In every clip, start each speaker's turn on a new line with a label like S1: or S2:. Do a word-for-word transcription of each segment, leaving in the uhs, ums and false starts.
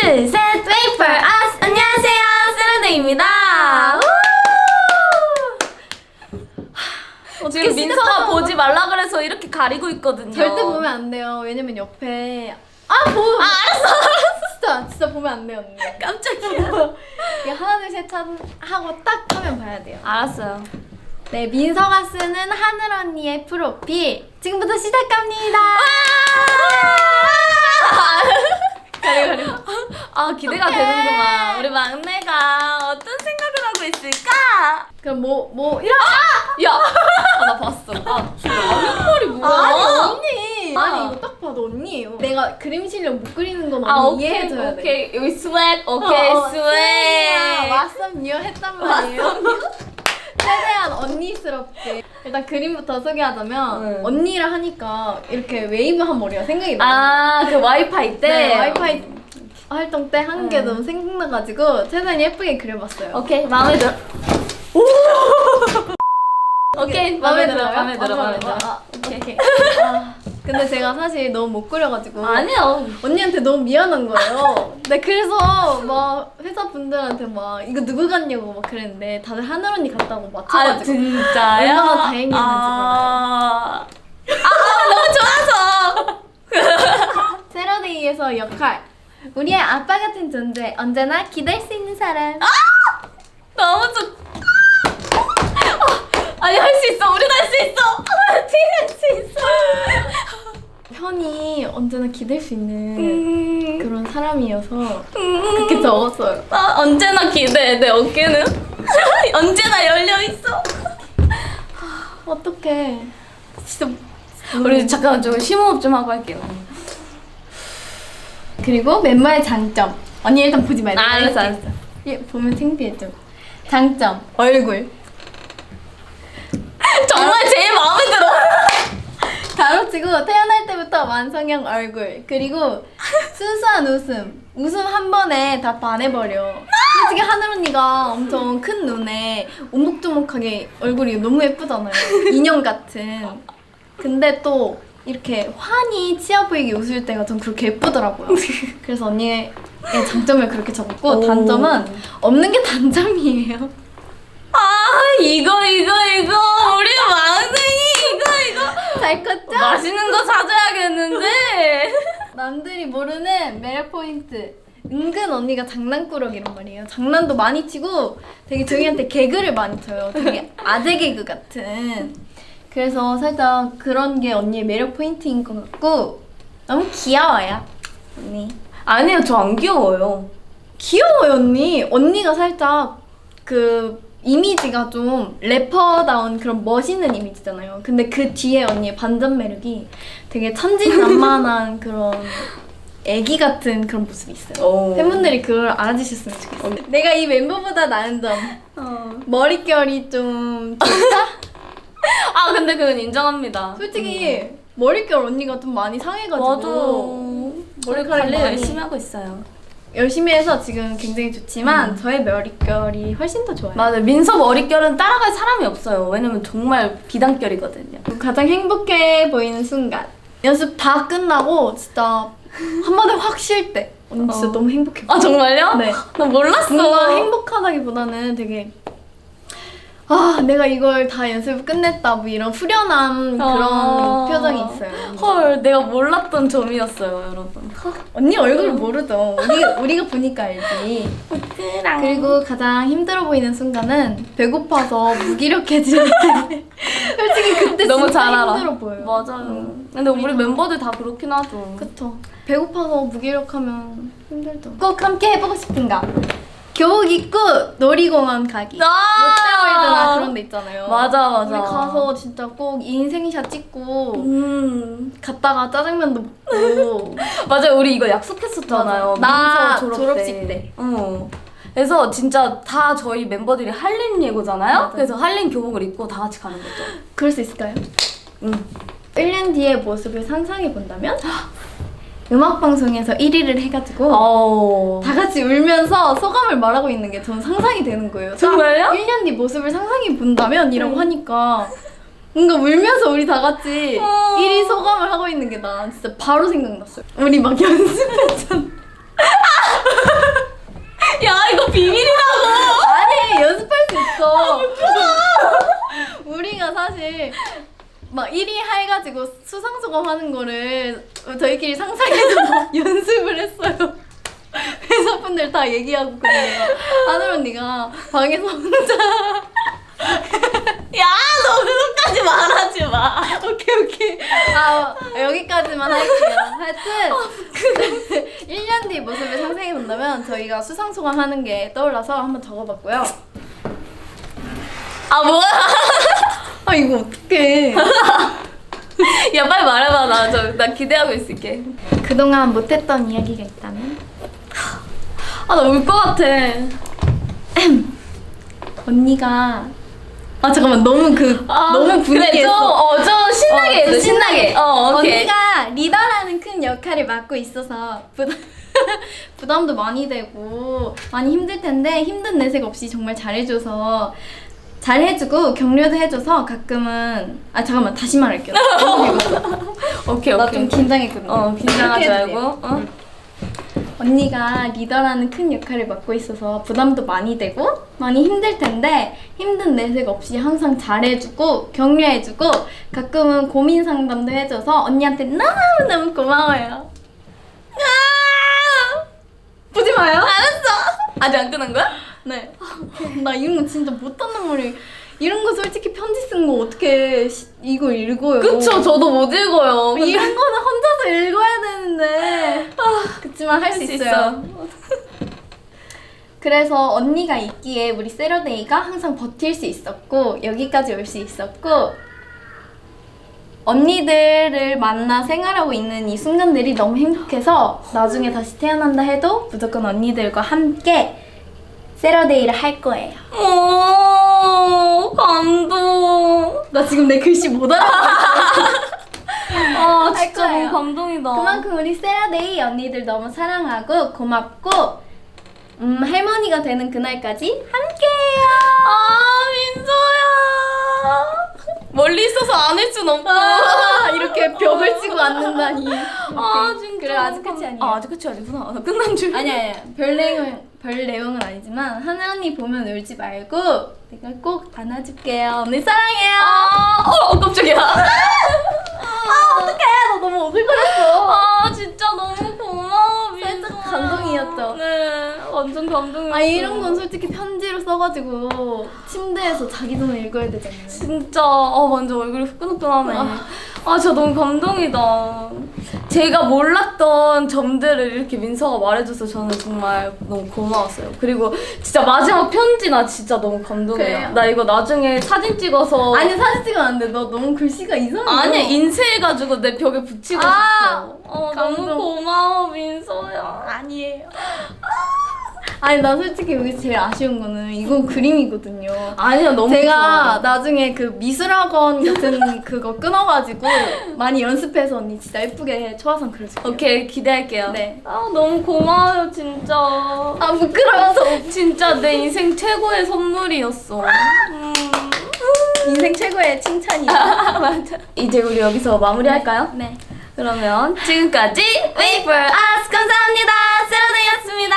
S1: 둘, 셋, wait for us. 안녕하세요, 세라데이입니다. 지금 민서가 보지 말라 그래서 이렇게 가리고 있거든요.
S2: 절대 보면 안 돼요. 왜냐면 옆에 아 보.
S1: 아 알았어, 알았어.
S2: 진짜 진짜 보면 안 돼요, 언니.
S1: 깜짝이야.
S2: 이게 하나 둘 셋 하고 딱 하면 봐야 돼요.
S1: 알았어요.
S2: 네, 민서가 쓰는 하늘 언니의 프로필 지금부터 시작합니다. 가려 가려.
S1: 아 기대가 되는구만. 우리 막내가 어떤 생각을 하고 있을까?
S2: 그럼 뭐 뭐 이런.
S1: 야, 아, 나 봤어. 아,
S2: 앞머리 뭐야?
S1: 아,
S2: 아니 언니.
S1: 아.
S2: 아니 이거 딱 봐도 언니예요. 내가 그림 실력 못 그리는 건
S1: 아
S2: 언니
S1: 오케이
S2: 이해해줘야 돼.
S1: 오케이 여기 스웩 오케이
S2: 어, 어,
S1: 스웩.
S2: 왓썹 뉴 했단 말이에요. 최대한 언니스럽게. 일단 그림부터 소개하자면
S1: 응.
S2: 언니를 하니까 이렇게 웨이브한 머리가 생각이 나요.
S1: 아그 와이파이 때.
S2: 네, 와이파이 활동 때 한 게
S1: 응.
S2: 너무 생각나가지고 최대한 예쁘게 그려봤어요.
S1: 오케이 마음에 들어. 오케이 마음에 들어
S2: 들어요?
S1: 마음에 들어
S2: 아,
S1: 마음에 들어.
S2: 아,
S1: 오케이.
S2: 오케이. 아, 근데 제가 사실 너무 못 그려가지고
S1: 아니요.
S2: 언니한테 너무 미안한 거예요. 네, 그래서 막 회사 분들한테 막 이거 누구 같냐고 막 그랬는데 다들 하늘 언니 같다고
S1: 아
S2: 맞춰가지고
S1: 진짜요?
S2: 얼마나 다행이었는지
S1: 아, 아 너무 좋아서.
S2: 세러데이에서 역할 우리의 아빠 같은 존재 언제나 기댈 수 있는 사람.
S1: 너무 좋. 아니 할 수 있어. 우린 할 수 있어. 할 수 있어.
S2: 편이 언제나 기댈 수 있는
S1: 음,
S2: 그런 사람이어서
S1: 음.
S2: 그렇게 적었어요.
S1: 아, 언제나 기대해. 내 어깨는 언제나 열려 있어.
S2: 어떡해. 진짜.
S1: 우리 잠깐 좀 심호흡 좀 하고 할게요.
S2: 그리고 멤버의 장점. 언니 일단 보지 말고.
S1: 아, 알았어, 알았어.
S2: 얘 보면 창피해 좀. 장점 얼굴.
S1: 정말 제일 마음에 들어.
S2: 가로치고 태어날 때부터 완성형 얼굴. 그리고 순수한 웃음. 웃음 한 번에 다 반해버려. 솔직히 하늘 언니가 엄청 큰 눈에 오목조목하게 얼굴이 너무 예쁘잖아요. 인형 같은. 근데 또 이렇게 환히 치아 보이게 웃을 때가 전 그렇게 예쁘더라고요. 그래서 언니의 장점을 그렇게 적었고
S1: 오.
S2: 단점은 없는 게 단점이에요.
S1: 아 이거 이거 이거 우리 막둥이 이거 이거
S2: 잘 컸죠?
S1: 맛있는 거 사줘야겠는데.
S2: 남들이 모르는 매력 포인트. 은근 언니가 장난꾸러기란 말이에요. 장난도 많이 치고 되게 저희한테 개그를 많이 쳐요. 되게 아재 개그 같은. 그래서 살짝 그런 게 언니의 매력 포인트인 것 같고 너무 귀여워요, 언니.
S1: 아니요 저 안 귀여워요.
S2: 귀여워요, 언니. 언니가 살짝 그 이미지가 좀 래퍼다운 그런 멋있는 이미지잖아요. 근데 그 뒤에 언니의 반전 매력이 되게 천진난만한 그런 애기 같은 그런 모습이 있어요.
S1: 오.
S2: 팬분들이 그걸 알아주셨으면 좋겠어요. 내가 이 멤버보다 나은 점.
S1: 어.
S2: 머릿결이 좀 좋다?
S1: 아 근데 그건 인정합니다.
S2: 솔직히 머릿결 언니가 좀 많이 상해가지고
S1: 맞아. 머리
S2: 머리카락
S1: 관리
S2: 많이
S1: 열심히 하고 있어요.
S2: 열심히 해서 지금 굉장히 좋지만 저의 머릿결이 훨씬 더 좋아요.
S1: 맞아요. 민서 머릿결은 따라갈 사람이 없어요. 왜냐면 정말 비단결이거든요.
S2: 가장 행복해 보이는 순간. 연습 다 끝나고 진짜 한마디 확 쉴 때. 언니 진짜
S1: 어.
S2: 너무 행복해.
S1: 아 정말요?
S2: 네.
S1: 나 몰랐어.
S2: 뭔가 행복하다기보다는 되게 아 내가 이걸 다 연습을 끝냈다 뭐 이런 후련함 그런
S1: 어.
S2: 표정이 있어요.
S1: 헐 내가 몰랐던 점이었어요 여러분.
S2: 언니 얼굴 모르죠. 우리, 우리가 보니까 알지. 그리고 가장 힘들어 보이는 순간은 배고파서 무기력해질 때. 솔직히 그때
S1: 너무
S2: 진짜
S1: 잘 알아.
S2: 힘들어 보여요.
S1: 맞아요.
S2: 음.
S1: 근데 우리 멤버들 다 그렇긴 하죠.
S2: 그쵸. 배고파서 무기력하면 힘들죠. 꼭 함께 해보고 싶은 거. 교복 입고 놀이공원 가기. 롯데월드나 그런 데 있잖아요.
S1: 맞아 맞아.
S2: 우리 가서 진짜 꼭 인생샷 찍고
S1: 음
S2: 갔다가 짜장면도 먹고.
S1: 맞아요. 우리 이거 약속했었잖아요.
S2: 맞아. 나
S1: 민서 졸업
S2: 졸업식
S1: 때.
S2: 때.
S1: 어. 그래서 진짜 다 저희 멤버들이 한림 예고잖아요.
S2: 맞아.
S1: 그래서 한림 교복을 입고 다 같이 가는 거죠.
S2: 그럴 수 있을까요?
S1: 응.
S2: 일 년 뒤의 모습을 상상해 본다면 음악방송에서 일 위를 해가지고
S1: 어.
S2: 다 같이 울면서 소감을 말하고 있는 게 저는 상상이 되는 거예요.
S1: 정말요?
S2: 일 년 뒤 모습을 상상해 본다면 이라고
S1: 응.
S2: 하니까 뭔가 울면서 우리 다 같이
S1: 어.
S2: 일 위 소감을 하고 있는 게 나 진짜 바로 생각났어요. 우리 막 연습했잖아.
S1: 비밀이라고.
S2: 아니 연습할 수 있어. 우리가 사실 막 일 위 해가지고 수상소감 하는 거를 저희끼리 상상해서 연습을 했어요. 회사분들 다 얘기하고 그래요. 하늘 언니가 방에서 혼자
S1: 야, 너 그것까지 말하지 마.
S2: 오케이 오케이 아 여기까지만 할게요. 하여튼 일 년 뒤 모습을 상상해 본다면 저희가 수상소감 하는 게 떠올라서 한번 적어봤고요.
S1: 아, 뭐야?
S2: 아 이거 어떡해.
S1: 야, 빨리 말해봐. 나, 저, 나 기대하고 있을게.
S2: 그동안 못했던 이야기가 있다면?
S1: 아, 나 울 것 같아.
S2: 언니가 아 잠깐만 너무 그
S1: 아,
S2: 너무
S1: 그래, 좀,
S2: 분위기했어.
S1: 어, 좀 신나게
S2: 어,
S1: 해줘,
S2: 좀
S1: 신나게. 어, 오케이.
S2: 언니가 리더라는 큰 역할을 맡고 있어서 부담, 부담도 많이 되고 많이 힘들 텐데 힘든 내색 없이 정말 잘해줘서 잘해주고 격려도 해줘서 가끔은 아 잠깐만 다시 말할게요.
S1: 오케이,
S2: 나
S1: 오케이.
S2: 좀 긴장했거든.
S1: 어, 긴장하지
S2: 이렇게
S1: 말고.
S2: 해주세요.
S1: 어?
S2: 언니가 리더라는 큰 역할을 맡고 있어서 부담도 많이 되고 많이 힘들 텐데 힘든 내색 없이 항상 잘해주고 격려해주고 가끔은 고민 상담도 해줘서 언니한테 너무너무 고마워요.
S1: 아!
S2: 보지 마요.
S1: 알았어. 아직 안 끝난 거야?
S2: 네. 나 이런 거 진짜 못한단 말이에요. 이런 거 솔직히 편지 쓴 거 어떻게 시- 이거 읽어요?
S1: 그쵸, 저도 못 읽어요. 근데
S2: 이런 거는 혼자서 읽어야 되는데. 그치만 할 수
S1: 할수
S2: 있어요. 그래서 언니가 있기에 우리 세러데이가 항상 버틸 수 있었고 여기까지 올 수 있었고 언니들을 만나 생활하고 있는 이 순간들이 너무 행복해서 나중에 다시 태어난다 해도 무조건 언니들과 함께 세러데이를 할 거예요.
S1: 오, 감동.
S2: 나 지금 내 글씨 못 알아봤어.
S1: 아,
S2: 할
S1: 진짜
S2: 거예요.
S1: 너무 감동이다.
S2: 그만큼 우리 세라데이 언니들 너무 사랑하고 고맙고 음, 할머니가 되는 그날까지 함께해요.
S1: 아, 민서야. 멀리 있어서 안 할 순 없고.
S2: 아, 이렇게 벽을 치고 앉는다니.
S1: 아, 진짜.
S2: 그래 아직 끝이 아니야.
S1: 아, 아직 끝이 아니구나. 나 끝난 줄.
S2: 아니야, 아니야. 별 내용 별 내용은 아니지만 하늘 언니 보면 울지 말고 내가 꼭 안아줄게요. 언니 사랑해요.
S1: 아, 어, 어, 깜짝이야.
S2: 아 어떡해, 나 너무 오글거렸어.
S1: 아, 진짜 너무 고마워, 민서.
S2: 살짝 감동이었죠?
S1: 네, 완전 감동이었어.
S2: 아 이런 건 솔직히 편지로 써가지고 침대에서 자기 전에 읽어야 되잖아요.
S1: 진짜 어 완전 얼굴이 후끈후끈하네. 아 진짜 너무 감동이다. 제가 몰랐던 점들을 이렇게 민서가 말해줘서 저는 정말 너무 고마웠어요. 그리고 진짜 마지막 편지 나 진짜 너무 감동해요.
S2: 그래요?
S1: 나 이거 나중에 사진 찍어서
S2: 아니 사진 찍으면 안 돼. 너 너무 글씨가 이상해.
S1: 아니야 인쇄해가지고 내 벽에 붙이고
S2: 아,
S1: 싶어. 어
S2: 감동.
S1: 너무 고마워 민서야.
S2: 아니에요. 아니 나 솔직히 여기서 제일 아쉬운 거는 이건 그림이거든요.
S1: 아니야 너무
S2: 제가
S1: 좋아.
S2: 나중에 그 미술학원 같은 그거 끊어가지고 많이 연습해서 언니 진짜 예쁘게 초화상 그려줄게요.
S1: 오케이 기대할게요.
S2: 네.
S1: 아 너무 고마워요 진짜.
S2: 아 부끄러워서
S1: 진짜 내 인생 최고의 선물이었어. 음.
S2: 인생 최고의 칭찬이야.
S1: 맞아. 이제 우리 여기서 마무리할까요?
S2: 네.
S1: 그러면 지금까지 Wait for Us 감사합니다. 세러데이였습니다.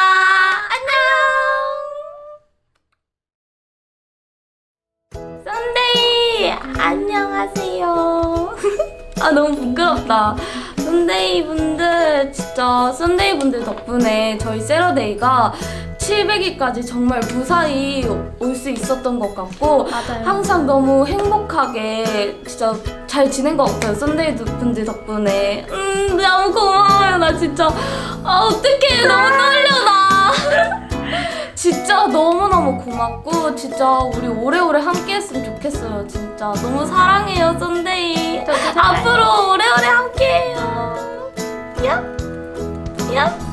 S1: 안녕. 썬데이 안녕하세요. 아 너무 부끄럽다. 썬데이 분들 진짜 썬데이 분들 덕분에 저희 세러데이가 칠백 일까지 정말 무사히 올 수 있었던 것 같고
S2: 맞아요.
S1: 항상 너무 행복하게 진짜 잘 지낸 것 같아요. 썬데이 분들 덕분에. 음 너무 고마워요. 나 진짜 아 어떡해 너무 떨려 나. 진짜 너무너무 고맙고 진짜 우리 오래오래 함께 했으면 좋겠어요. 진짜 너무 사랑해요 썬데이.
S2: 저도 사랑해요.
S1: 앞으로 오래오래 함께해요. 야? 야?